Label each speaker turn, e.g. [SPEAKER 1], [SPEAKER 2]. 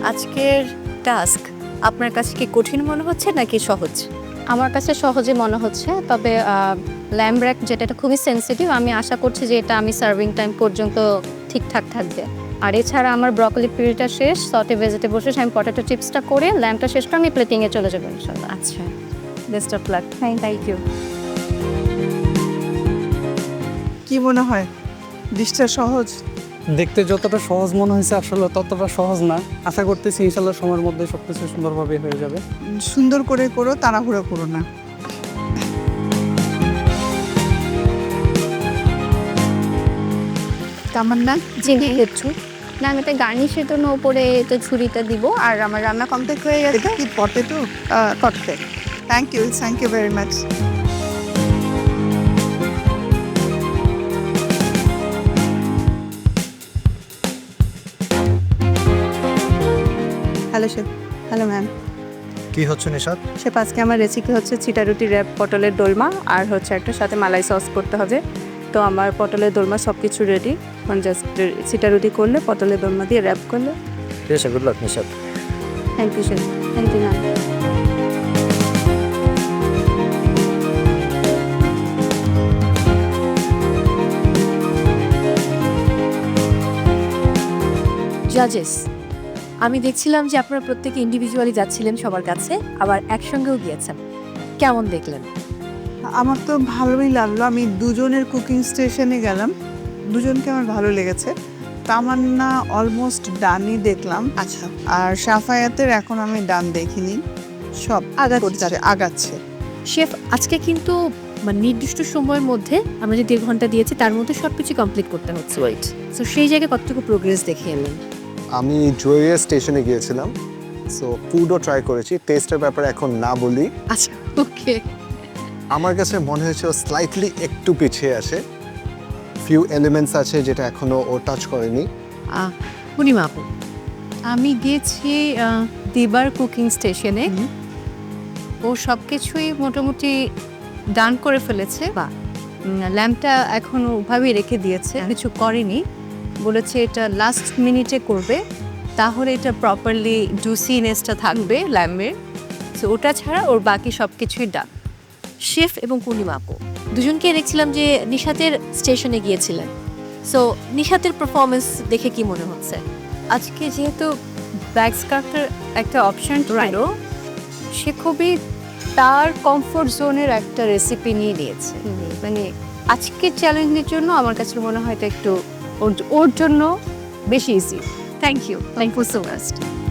[SPEAKER 1] আজকের টাস্ক আপনার কাছে কি কঠিন মনে হচ্ছে নাকি সহজ?
[SPEAKER 2] আমার কাছে সহজে মনে হচ্ছে, তবে ল্যাম্ব র্যাক যেটা এটা খুবই সেনসিটিভ, আমি আশা করছি যে এটা আমি সার্ভিং টাইম পর্যন্ত ঠিকঠাক থাকবে। আর এছাড়া আমার ব্রকলি পিউরিটা শেষ, সটে ভেজিটেবল শেষ, আমি পটেটো চিপসটা করে ল্যাম্বটা শেষ করে আমি প্লেটিংয়ে চলে যাবো ইনশাল্লাহ।
[SPEAKER 1] আচ্ছা, best of luck. Thank you.
[SPEAKER 3] কি মনে হয় ডিশটা সহজ?
[SPEAKER 4] দেখতে যতটা সহজ মনে হয়েছে আসলে ততটা সহজ না। আশা করতেছি ইনশাল্লাহ সময়ের মধ্যে সবকিছু সুন্দরভাবে হয়ে যাবে।
[SPEAKER 3] সুন্দর করে করো, তাড়াহুড়ো করো না। তামান্না,
[SPEAKER 2] জি দেখছো না, আমি এটা গার্নিশের জন্য উপরে তো ছুরিটা দিব, আর আমার রান্না কমপ্লিট হয়ে গেছে।
[SPEAKER 3] এটা কি পটেটো?
[SPEAKER 2] করতে
[SPEAKER 3] thank you very much.
[SPEAKER 5] Hello chef. Hello ma'am.
[SPEAKER 6] কি হচ্ছে নিশাত?
[SPEAKER 5] শেফ আজকে আমার রেসিপি হচ্ছে চিটা রুটি র্যাপ পটলের দোলমা, আর হচ্ছে একটা সাথে মালাই সস করতে হবে। তো আমার পটলের দোলমা সব কিছু রেডি, এখন জাস্ট চিটা রুটি করলে পটলের দোলমা দিয়ে র্যাপ করলে।
[SPEAKER 6] ঠিক আছে, good luck Nishat.
[SPEAKER 5] Thank you chef. Thank you ma'am.
[SPEAKER 1] জাজেস, আমি দেখছিলাম যে আপনারা প্রত্যেকে ইন্ডিভিজুয়ালি যাচ্ছিলেন সবার কাছে, আবার একসঙ্গেও গিয়েছেন। কেমন দেখলেন?
[SPEAKER 3] আমার তো ভালোই লাগলো। আমি দুজনের কুকিং স্টেশনে গেলাম, দুজনকে আমার ভালো লেগেছে। তামান্না অলমোস্ট ডানই দেখলাম।
[SPEAKER 5] আচ্ছা,
[SPEAKER 3] আর সাফায়াতের এখন আমি ডান দেখিনি, সব আগাচ্ছে।
[SPEAKER 1] শেফ, আজকে কিন্তু মানে নির্দিষ্ট সময়ের মধ্যে আমরা যে 1.5 ঘন্টা দিয়েছি তার মধ্যে সবকিছু কমপ্লিট করতে হচ্ছে। ওয়েট, সো সেই জায়গায় কতটুকু প্রোগ্রেস দেখে এলেন?
[SPEAKER 6] আমি জুয়েরিয়া স্টেশনে গিয়েছিলাম, সো ফুডও ট্রাই করেছি। টেস্টের ব্যাপারে এখন না বলি।
[SPEAKER 1] আচ্ছা, ওকে।
[SPEAKER 6] আমার কাছে মনে হয়েছে ও স্লাইটলি একটু পিছিয়ে আসে। ফিউ এলিমেন্টস আছে যেটা এখনো ও টাচ করেনি।
[SPEAKER 1] পূর্ণিমা আপু, আমি গিয়েছি দিবার কুকিং স্টেশনে। ও সব কিছুই মোটামুটি ডান করে ফেলেছে। বা ল্যাম্পটা এখন ওভাবেই রেখে দিয়েছে, কিছু করেনি। বলেছে এটা লাস্ট মিনিটে করবে, তাহলে এটা প্রপারলি জুসিনেসটা থাকবে ল্যাম্পের। সো ওটা ছাড়া ওর বাকি সব কিছুই ডান। শেফ এবং পূর্ণিমা আপু দুজনকে দেখছিলাম যে নিশাতের স্টেশনে গিয়েছিলেন। সো নিশাতের পারফরমেন্স দেখে কি মনে হচ্ছে? আজকে যেহেতু ব্যাক স্কার্ফের একটা অপশন ছিল, সে খুবই তার কমফোর্ট জোনের একটা রেসিপি নিয়ে নিয়েছে। মানে আজকের চ্যালেঞ্জের জন্য আমার কাছে মনে হয় এটা একটু ওর জন্য বেশি easy. Thank you so much.